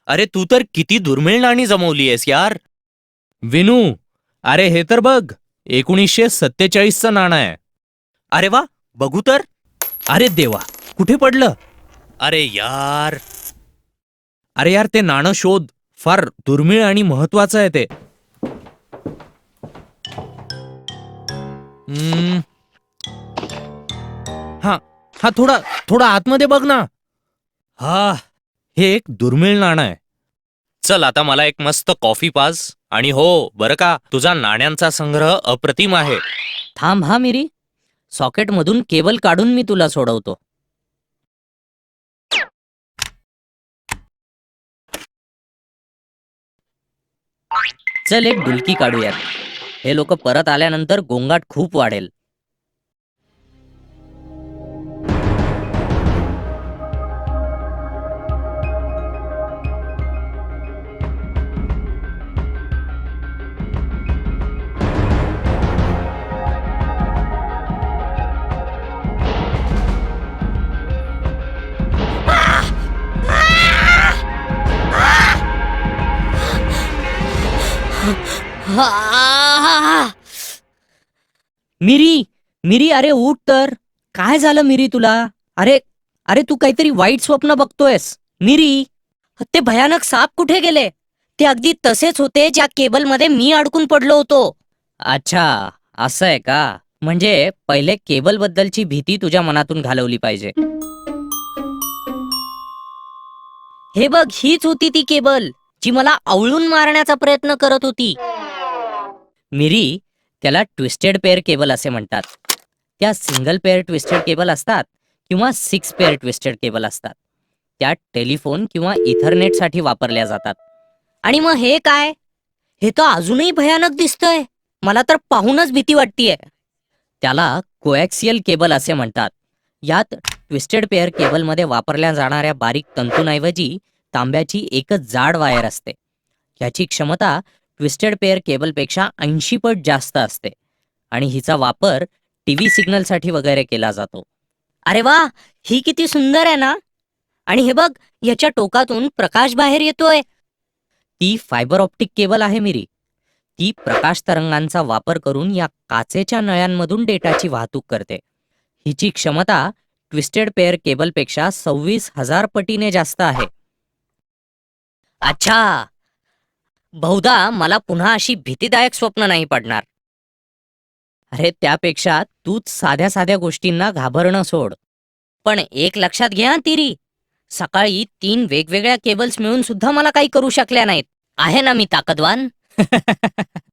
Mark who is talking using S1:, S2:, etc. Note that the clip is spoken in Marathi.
S1: अरे तू तर किती दुर्मिळ नाणी जमवली आहेस यार. विनू, अरे हे तर बघ, 1947चं नाणं आहे. अरे वा, बघू तर. अरे देवा, कुठे पडलं? अरे यार. अरे यार, ते नाणं शोध. फार दुर्मिळ आणि महत्वाचं आहे ते. हम्म, हा हा थोडा थोडा आतमध्ये बघ ना. हा, हे एक दुर्मिळ नाणं आहे. चल आता मला एक मस्त कॉफी पाज. आणि हो बरं का, तुझा नाण्यांचा संग्रह अप्रतिम आहे.
S2: थांब हा मिरी, सॉकेटमधून केबल काढून मी तुला सोडवतो. चल एक डुलकी काढूयात. हे लोक परत आल्यानंतर गोंगाट खूप वाढेल. मिरी, मिरी, अरे उठ तर. काय झालं मिरी तुला? अरे अरे तू काहीतरी वाईट स्वप्न बघतोयस. मिरी, ते भयानक साप कुठे गेले? ते अगदी तसेच होते ज्या केबलमध्ये मी अडकून पडलो होतो. अच्छा, असं आहे का? म्हणजे पहिले केबल बद्दलची भीती तुझ्या मनातून घालवली पाहिजे. हे बघ, हीच होती ती केबल जी मला आवळून मारण्याचा प्रयत्न करत होती. मिरी, त्याला ट्विस्टेड पेअर केबल असे म्हणतात. त्या सिंगल पेअर ट्विस्टेड केबल असतात किंवा 6 पेअर ट्विस्टेड केबल असतात. त्या टेलिफोन किंवा इथरनेटसाठी वापरल्या जातात. आणि मग हे काय? हे तर अजूनही भयानक दिसतंय. मला तर पाहूनच भीती वाटतीये. त्याला कोएक्सियल केबल असे म्हणतात. यात ट्विस्टेड पेअर केबलमध्ये वापरल्या जाणाऱ्या बारीक तंतूंऐवजी तांब्याची एकच जाड वायर असते. याची क्षमता ट्विस्टेड पेअर केबलपेक्षा 80 पट जास्त असते आणि हिचा वापर टीव्ही सिग्नलसाठी वगैरे केला जातो. अरे वा, ही किती सुंदर आहे ना. आणि हे बघ, याच्या टोकातून प्रकाश बाहेर येतोय. ती फायबर ऑप्टिक केबल आहे मिरी. ती प्रकाश तरंगांचा वापर करून या काचेच्या नळ्यांमधून डेटाची वाहतूक करते. हिची क्षमता ट्विस्टेड पेअर केबलपेक्षा 26,000 पटीने जास्त आहे. अच्छा, बहुधा मला पुन्हा अशी भीतीदायक स्वप्न नाही पडणार. अरे त्यापेक्षा तूच साध्या साध्या गोष्टींना घाबरणं सोड. पण एक लक्षात घे हं तिरी, सकाळी 3 वेगवेगळ्या केबल्स मिळून सुद्धा मला काही करू शकल्या नाहीत. आहे ना मी ताकदवान.